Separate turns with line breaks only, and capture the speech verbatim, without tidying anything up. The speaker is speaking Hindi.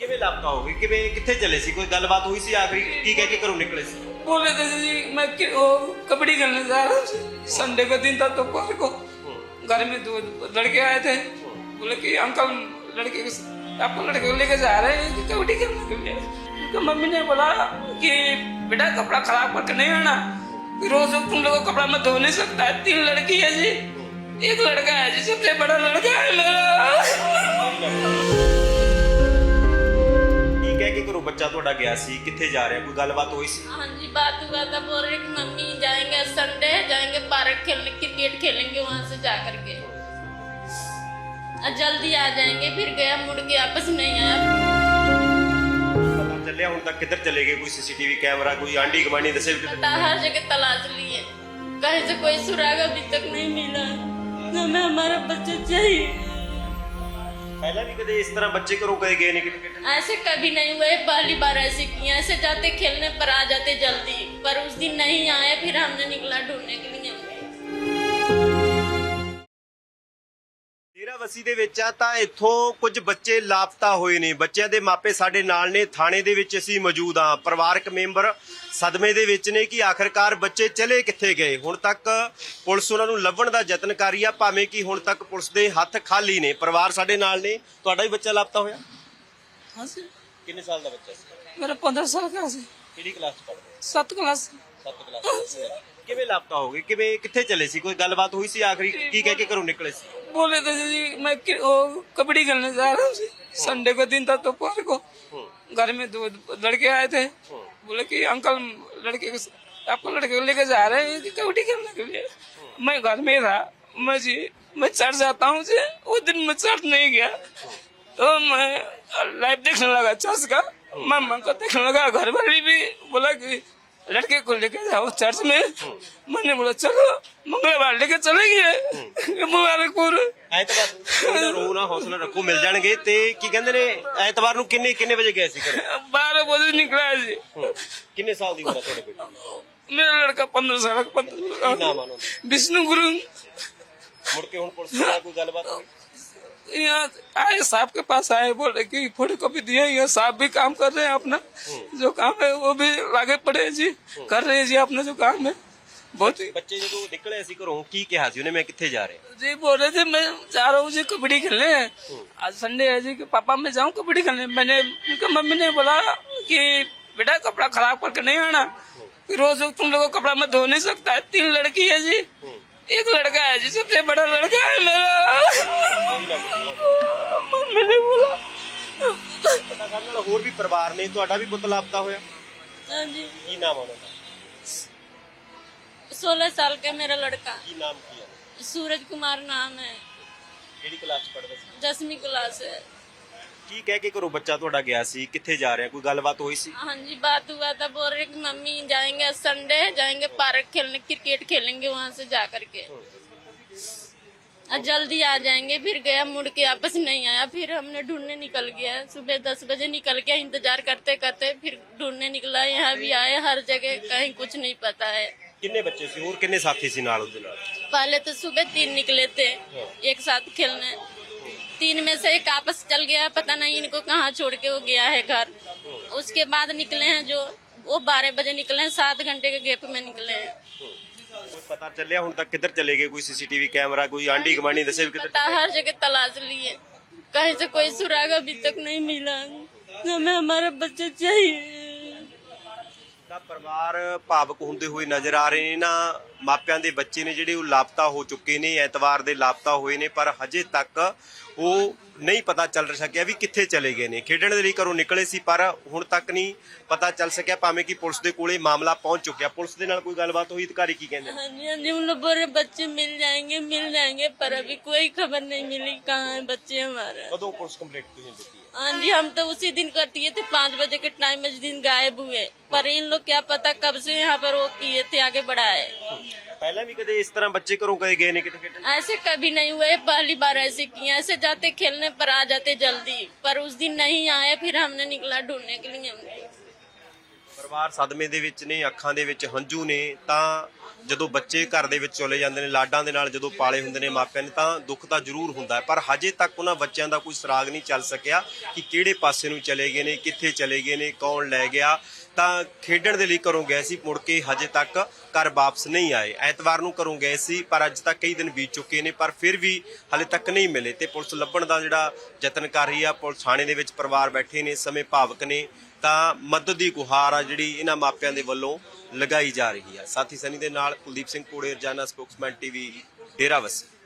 ਕਿਵੇਂ ਲਾਪਤਾ ਹੋ ਗਏ? ਕਿਵੇਂ ਕਿੱਥੇ ਚਲੇ ਸੀ? ਕੋਈ ਗੱਲਬਾਤ ਹੋਈ ਸੀ ਆਖਰੀ? ਕੀ ਕਹਿ ਕੇ ਘਰੋਂ ਨਿਕਲੇ ਸੀ?
बोले थे जी मैं कि- वो कबड्डी खेलने जा रहा हूँ। संडे का दिन था तो दोपहर को घर में दो लड़के आए थे। बोले कि अंकल लड़के को- आपको लड़के को लेके जा रहे हैं कि कबड्डी खेलने के लिए। तो मम्मी ने बोला कि बेटा कपड़ा खराब करके नहीं आना, रोज तुम लोग कपड़ा मैं धो नहीं सकता है। तीन लड़की है जी, एक लड़का है जी, सबसे बड़ा लड़का है मेरा।
ਕੀ ਕਹਿ ਕੇ ਘਰੋਂ ਬੱਚਾ ਤੁਹਾਡਾ ਗਿਆ ਸੀ? ਕਿੱਥੇ ਜਾ ਰਿਹਾ? ਕੋਈ ਗੱਲਬਾत ਹੋਈ ਸੀ?
हाँ जी, बात हुआ था, बोल रहे कि मम्मी जाएंगे संडे, जाएंगे पार्क खेलने, क्रिकेट खेलेंगे वहां से जा करके और जल्दी आ जाएंगे। फिर गया, मुड़ के वापस नहीं आया।
ਪਤਾ ਚੱਲਿਆ ਹੁਣ तक किधर चले गए? कोई सीसीटीवी कैमरा, कोई आंडी गवांडी दसे?
पता हर जगह तलाश लिए, कहीं से कोई सुराग अभी तक नहीं मिला। हमें हमारा बच्चा चाहिए।
पहला भी कदे इस तरह बच्चे घरों गए गए नहीं क्रिकेट?
ऐसे कभी नहीं हुआ है, पहली बार ऐसे किया। ऐसे जाते खेलने पर आ जाते जल्दी, पर उस दिन नहीं आए। फिर हमने निकला ढूंढने के लिए।
ਡੇਰਾ ਵਸੀ ਦੇ ਵਿੱਚ ਆ ਤਾਂ ਇੱਥੋਂ ਕੁਝ ਬੱਚੇ ਲਾਪਤਾ ਹੋਏ ਨੇ। ਬੱਚਿਆਂ ਦੇ ਮਾਪੇ ਸਾਡੇ ਨਾਲ ਨੇ, ਥਾਣੇ ਦੇ ਵਿੱਚ ਅਸੀਂ ਮੌਜੂਦ ਹਾਂ। ਪਰਿਵਾਰਕ ਮੈਂਬਰ ਸਦਮੇ ਦੇ ਵਿੱਚ ਨੇ ਕਿ ਆਖਰਕਾਰ ਬੱਚੇ ਚਲੇ ਕਿੱਥੇ ਗਏ। ਹੁਣ ਤੱਕ ਪੁਲਿਸ ਉਹਨਾਂ ਨੂੰ ਲੱਭਣ ਦਾ ਯਤਨ ਕਰ ਰਹੀ ਆ, ਭਾਵੇਂ ਕਿ ਹੁਣ ਤੱਕ ਪੁਲਿਸ ਦੇ ਹੱਥ ਖਾਲੀ ਨੇ। ਪਰਿਵਾਰ ਸਾਡੇ ਨਾਲ ਨੇ। ਤੁਹਾਡਾ ਵੀ ਬੱਚਾ ਲਾਪਤਾ ਹੋਇਆ?
हाँ जी,
ਕਿੰਨੇ ਸਾਲ ਦਾ ਬੱਚਾ ਸੀ?
मेरा पंद्रह साल का से
ਕਿਹੜੀ ਕਲਾਸ ਚ ਪੜ੍ਹਦਾ?
सात क्लास।
ਸੱਤ ਕਲਾਸ। ਕਿਵੇਂ ਲਾਪਤਾ ਹੋ ਗਏ? ਕਿਵੇਂ ਕਿੱਥੇ ਚਲੇ ਸੀ? ਕੋਈ ਗੱਲਬਾਤ ਹੋਈ ਸੀ ਆਖਰੀ? ਕੀ ਕਹਿ ਕੇ ਘਰੋਂ ਨਿਕਲੇ ਸੀ?
बोले थे जी मैं कि- वो कबड्डी खेलने जा रहा हूँ। संडे का दिन था तो दोपहर को घर में दो लड़के आए थे। बोले कि अंकल लड़के को- आपको लड़के को लेके जा रहे हैं कि कबड्डी खेलने के लिए। मैं घर में था। मैं जी मैं चढ़ जाता हूँ जी। वो दिन मैं चढ़ नहीं गया तो मैं लाइव देखने लगा चर्च का। मामा को देखने लगा। घर वाली भी बोला कि लड़के को लेके जाओ चर्च में। मैंने बोला चलो, मंगलवार लेके चलेंगे मुबारकपुर।
ਐਤਵਾਰ ਰੋ ਨਾ, ਹੌਸਲਾ ਰੱਖੋ, ਮਿਲ ਜਾਣਗੇ। ਤੇ ਕੀ ਕਹਿੰਦੇ ਨੇ, ਐਤਵਾਰ ਨੂੰ ਕਿੰਨੇ ਕਿੰਨੇ ਵਜੇ ਗਏ ਸੀ ਘਰੇ?
बारह बजे निकला है जी।
ਕਿੰਨੇ ਸਾਲ ਦੀ ਉਮਰ ਹੈ ਤੁਹਾਡੇ ਬੇਟੇ?
मेरा लड़का पंद्रह साल का
ਕੀ ਨਾਮ
पंद्रह
ਆ ਉਹਨਾਂ ਦਾ?
विष्णु गुरु।
ਮੁੜ ਕੇ ਹੁਣ ਪੁਲਿਸ ਨਾਲ ਕੋਈ ਗੱਲਬਾਤ ਹੋਈ?
यहाँ आए, साहब के पास आए, बोले कि फोटो कॉपी दिए। यहाँ साहब भी काम कर रहे हैं अपना जो काम है, वो भी आगे पड़े हैं जी, कर रहे हैं जी अपना जो काम है। बहुत ही
ਬੱਚੇ ਜਦੋਂ ਨਿਕਲੇ ਸੀ ਘਰੋਂ ਕੀ ਕਿਹਾ ਸੀ ਉਹਨੇ? ਮੈਂ ਕਿੱਥੇ ਜਾ ਰਿਹਾ?
जी बोल रहे थे मैं जा रहा हूँ जी कबड्डी खेलने। आज संडे है जी कि पापा मैं जाऊँ कबड्डी खेलने। मैंने उनका मम्मी ने बोला कि बेटा कपड़ा खराब करके नहीं आना, रोज तुम लोगों को कपड़ा मैं धो नहीं सकता है। तीन लड़की है जी, एक लड़का है जी, सबसे बड़ा लड़का है मेरा। मम्मी ने बोला।
ਪਤਾ ਕਰਨ ਨਾਲ ਹੋਰ ਵੀ ਪਰਿਵਾਰ ਨੇ। ਤੁਹਾਡਾ ਵੀ ਪੁੱਤ ਲਾਪਤਾ ਹੋਇਆ?
हाँ जी,
ਕੀ ਨਾਮ ਆ ਉਹਨਾਂ ਦਾ?
सोलह साल का मेरा लड़का,
ਕੀ ਨਾਮ ਕੀ ਹੈ?
सूरज कुमार नाम है,
ਕਿਹੜੀ ਕਲਾਸ ਚ ਪੜ੍ਹਦਾ ਸੀ?
दसवीं क्लास है।
ਕੀ ਕਹਿ ਕੇ ਘਰੋਂ ਬੱਚਾ ਤੁਹਾਡਾ ਗਿਆ ਸੀ? ਕਿੱਥੇ ਜਾ ਰਿਹਾ? ਕੋਈ ਗੱਲਬਾत ਹੋਈ ਸੀ?
हाँ जी, बात हुआ था, बोल रहे कि मम्मी जाएंगे संडे, जाएंगे पार्क खेलने, क्रिकेट खेलेंगे वहां से जा करके और जल्दी आ जाएंगे। फिर गया, मुड़ के वापस नहीं आया। फिर हमने ढूंढने निकल गया। सुबह दस बजे निकल गया, इंतजार करते करते फिर ढूंढने निकला। यहाँ भी आए, हर जगह कहीं कुछ नहीं पता है।
ਕਿੰਨੇ ਬੱਚੇ ਸੀ? ਹੋਰ ਕਿੰਨੇ ਸਾਥੀ ਸੀ ਨਾਲ ਉਹਦੇ ਨਾਲ?
पहले तो सुबह तीन निकले थे एक साथ खेलने। तीन में से एक आपस चल गया, पता नहीं इनको कहाँ छोड़ के वो गया है घर। उसके बाद निकले हैं जो वो बारह बजे निकले हैं, सात घंटे के गैप में निकले हैं।
ਕੋਈ ਪਤਾ ਚੱਲਿਆ ਹੁਣ तक किधर चले गए? कोई सीसीटीवी कैमरा, कोई आंडी गवांडी दसे भी किधर?
पता हर जगह तलाश लिए, कहीं से कोई सुराग अभी तक नहीं मिला। हमें हमारा बच्चा चाहिए।
ਤਾਂ ਪਰਿਵਾਰ ਭਾਵਕ ਹੁੰਦੇ ਹੋਏ ਨਜ਼ਰ ਆ ਰਹੇ ਨੇ। ਨਾ ਮਾਪਿਆਂ ਦੇ ਬੱਚੇ ਨੇ ਜਿਹੜੇ ਉਹ ਲਾਪਤਾ ਹੋ ਚੁੱਕੇ ਨੇ, ਐਤਵਾਰ ਦੇ ਲਾਪਤਾ ਹੋਏ ਨੇ, ਪਰ ਹਜੇ ਤੱਕ ਉਹ ਨਹੀਂ ਪਤਾ ਚੱਲ ਸਕਿਆ ਵੀ ਕਿੱਥੇ ਚਲੇ ਗਏ ਨੇ। ਖੇਡਣ ਦੇ ਲਈ ਘਰੋਂ ਨਿਕਲੇ ਸੀ ਪਰ ਹੁਣ ਤੱਕ ਨਹੀਂ ਪਤਾ ਚੱਲ ਸਕਿਆ, ਭਾਵੇਂ ਕਿ ਪੁਲਿਸ ਦੇ ਕੋਲੇ ਮਾਮਲਾ ਪਹੁੰਚ ਚੁੱਕਿਆ। ਪੁਲਿਸ ਦੇ ਨਾਲ ਕੋਈ ਗੱਲਬਾਤ ਹੋਈ? ਅਧਿਕਾਰੀ ਕੀ ਕਹਿੰਦੇ?
हाँ जी, हाँ जी, उन लोग बोल रहे बच्चे मिल जाएंगे मिल जाएंगे, पर अभी कोई खबर नहीं मिली कहाँ है बच्चे हमारे।
ਕਦੋਂ ਪੁਲਿਸ ਕੰਪਲੇਂਟ ਤੁਸੀਂ ਦਿੱਤੀ ਹੈ?
हाँ जी, हम तो उसी दिन कर दिए थे, पाँच बजे के टाइम में जिस दिन गायब हुए। पर इन लोग क्या पता कब से यहाँ पर वो किए थे, आगे बढ़ाए।
ਪਹਿਲਾਂ ਵੀ ਕਦੇ ਇਸ ਤਰ੍ਹਾਂ ਬੱਚੇ ਘਰੋਂ ਗਏ ਗਏ ਨੇ ਕਿਤੇ ਖੇਡਣ?
ऐसे कभी नहीं हुआ है, पहली बार ऐसे किए। ऐसे जाते खेलने पर आ जाते जल्दी, पर उस दिन नहीं आए। फिर हमने निकला ढूंढने के लिए।
ਪਰਿਵਾਰ ਸਦਮੇ ਦੇ ਵਿੱਚ ਨੇ, ਅੱਖਾਂ ਦੇ ਵਿੱਚ ਹੰਝੂ ਨੇ। ਤਾਂ ਜਦੋਂ ਬੱਚੇ ਘਰ ਦੇ ਵਿੱਚ ਚਲੇ ਜਾਂਦੇ ਨੇ, ਲਾਡਾਂ ਦੇ ਨਾਲ ਜਦੋਂ ਪਾਲੇ ਹੁੰਦੇ ਨੇ ਮਾਪਿਆਂ ਨੇ, ਤਾਂ ਦੁੱਖ ਤਾਂ ਜ਼ਰੂਰ ਹੁੰਦਾ ਹੈ, ਪਰ ਹਜੇ ਤੱਕ ਉਹਨਾਂ ਬੱਚਿਆਂ ਦਾ ਕੋਈ ਸੁਰਾਗ ਨਹੀਂ ਚੱਲ ਸਕਿਆ ਕਿ ਕਿਹੜੇ ਪਾਸੇ ਨੂੰ ਚਲੇ ਗਏ ਨੇ, ਕਿੱਥੇ ਚਲੇ ਗਏ ਨੇ, ਕੌਣ ਲੈ ਗਿਆ। ਤਾਂ ਖੇਡਣ ਦੇ ਲਈ ਘਰੋਂ ਗਏ ਸੀ, ਮੁੜ ਕੇ ਹਜੇ ਤੱਕ ਘਰ ਵਾਪਸ ਨਹੀਂ ਆਏ। ਐਤਵਾਰ ਨੂੰ ਘਰੋਂ ਗਏ ਸੀ, ਪਰ ਅੱਜ ਤੱਕ ਕਈ ਦਿਨ ਬੀਤ ਚੁੱਕੇ ਨੇ, ਪਰ ਫਿਰ ਵੀ ਹਲੇ ਤੱਕ ਨਹੀਂ ਮਿਲੇ ਤੇ ਪੁਲਿਸ ਲੱਭਣ ਦਾ ਜਿਹੜਾ ਯਤਨ ਕਰ ਰਹੀ ਆ। ਪੁਲਿਸ ਥਾਣੇ ਦੇ ਵਿੱਚ ਪਰਿਵਾਰ ਬੈਠੇ ਨੇ, ਇਸ ਸਮੇਂ ਭਾਵਕ ਨੇ, ਤਾਂ ਮਦਦ ਦੀ ਗੁਹਾਰ ਆ ਜਿਹੜੀ ਇਹਨਾਂ ਮਾਪਿਆਂ ਦੇ ਵੱਲੋਂ ਲਗਾਈ ਜਾ ਰਹੀ ਆ। ਸਾਥੀ ਸਨੀ ਦੇ ਨਾਲ ਕੁਲਦੀਪ ਸਿੰਘ ਕੋੜੇ, ਰੋਜ਼ਾਨਾ ਸਪੋਕਸਮੈਨ ਟੀਵੀ, ਡੇਰਾਬੱਸੀ।